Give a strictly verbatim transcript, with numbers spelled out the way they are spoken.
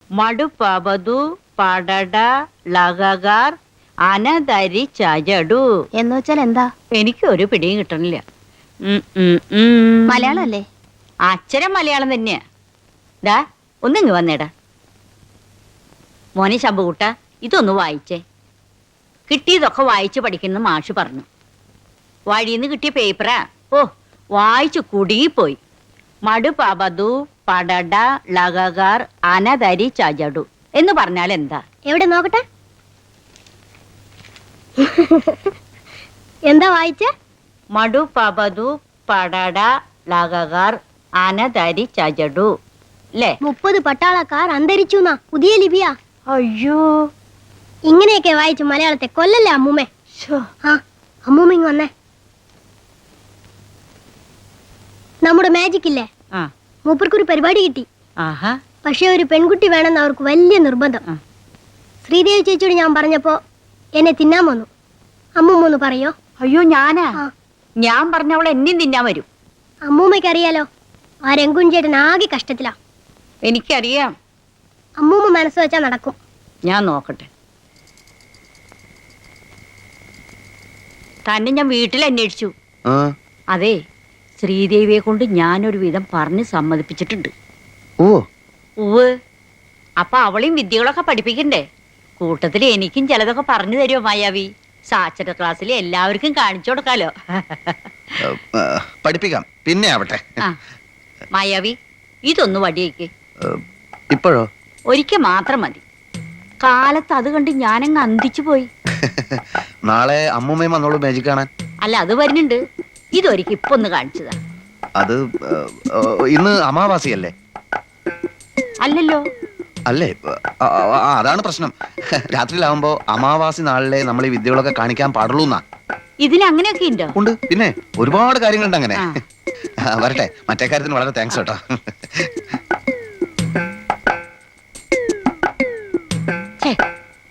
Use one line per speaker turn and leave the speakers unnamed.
മടുപ്പവതു പടട ലഗകാർ അനധരി ചജടു
എന്ന് വെച്ചാൽ എന്താ?
എനിക്ക് ഒരു പിടിയും കിട്ടണില്ല. ഉം, ഉം, ഉം.
മലയാളം അല്ലേ?
അക്ഷരം മലയാളം തന്നെയാ. ദാ ഒന്നിങ്ങ് വന്നേടാ മോനെ ശമ്പുകൂട്ട, ഇതൊന്ന് വായിച്ചേ. കിട്ടിയതൊക്കെ വായിച്ച് പഠിക്കുന്ന മാഷ് പറഞ്ഞു. വഴിന്ന് കിട്ടിയ പേപ്പറാ. ഓ, വായിച്ചു കുടുങ്ങിപ്പോയി. മടുപവതു പടട ലഗകാർ അനധരി ചജടു എന്ന് പറഞ്ഞാൽ എന്താ?
എവിടെ നോക്കട്ടെ. എന്താ വായിച്ച?
മടുപവതു പടട ലഗകാർ അനധരി ചജടു അല്ലേ?
മുപ്പത് പട്ടാളക്കാർ അന്തരിച്ചു എന്നാ പുതിയ ലിപിയാ.
അയ്യോ,
ഇങ്ങനെയൊക്കെ വായിച്ചു മലയാളത്തെ കൊല്ലല്ലേ അമ്മൂമ്മേ. ആ അമ്മൂമ്മ ഇങ്ങ് വന്നേ. നമ്മുടെ മാജിക് ഇല്ലേ,
ആ
മൂപ്പർക്കൊരു പരിപാടി കിട്ടി.
ആഹാ,
പക്ഷെ ഒരു പെൺകുട്ടി വേണമെന്ന് അവർക്ക് വലിയ നിർബന്ധം.
ആ.
ശ്രീദേവി ചേച്ചിയോട് ഞാൻ പറഞ്ഞപ്പോ എന്നെ തിന്നാൻ വന്നു. അമ്മൂമ്മ ഒന്ന് പറയോ?
അയ്യോ ഞാനാ?
ആ.
ഞാൻ പറഞ്ഞ അവൾ എന്നെയും തിന്നാൻ വരും.
അമ്മൂമ്മയ്ക്ക് അറിയാലോ, ആ രംഗുൻ ചേട്ടൻ ആകെ കഷ്ടത്തിലാ.
എനിക്കറിയാം.
അമ്മൂമ്മ മനസ്സ് വെച്ചാ നടക്കും.
ഞാൻ നോക്കട്ടെ. തന്നെ ഞാൻ വീട്ടിൽ അന്വേഷിച്ചു. അതെ, ശ്രീദേവിയെ കൊണ്ട് ഞാനൊരു വിധം പറഞ്ഞ് സമ്മതിപ്പിച്ചിട്ടുണ്ട്.
ഓ
ഉവ്. അപ്പൊ അവളെയും വിദ്യകളൊക്കെ പഠിപ്പിക്കണ്ടേ? കൂട്ടത്തിൽ എനിക്കും ചിലതൊക്കെ പറഞ്ഞു തരുമോ മായാവി? സാക്ഷര ക്ലാസ്സിൽ എല്ലാവർക്കും കാണിച്ചു കൊടുക്കാലോ.
പഠിപ്പിക്കാം, പിന്നെ ആവട്ടെ.
ആ മായാവി, ഇതൊന്ന് വടിയേക്ക്.
ഇപ്പോഴോ?
ഒരിക്കൽ മാത്രം മതി. കാലത്ത് അത് കണ്ട് ഞാനങ്ങ് അന്തിച്ചു പോയി.
നാളെ അമ്മൂമ്മയും വന്നോളൂ മാജിക് കാണാൻ.
അല്ല, അത് വരുന്നുണ്ട്. ഇതൊരിക്കൽ ഇപ്പൊ ഒന്ന് കാണിച്ചതാ.
അത് ഇന്ന് അമാവാസിയല്ലേ?
അല്ലല്ലോ.
അല്ലേ? ആ, ആ, അതാണ് പ്രശ്നം. രാത്രിയിലാവുമ്പോ അമാവാസി നാളിലെ നമ്മൾ ഈ വിദ്യകളൊക്കെ കാണിക്കാൻ പാടുള്ളൂ എന്നാ.
ഇതിന് അങ്ങനെയൊക്കെ ഉണ്ടോ?
ഉണ്ട്, പിന്നെ ഒരുപാട് കാര്യങ്ങളുണ്ട് അങ്ങനെ.
ആ.
വരട്ടെ, മറ്റേ കാര്യത്തിന് വളരെ താങ്ക്സ് കേട്ടോ.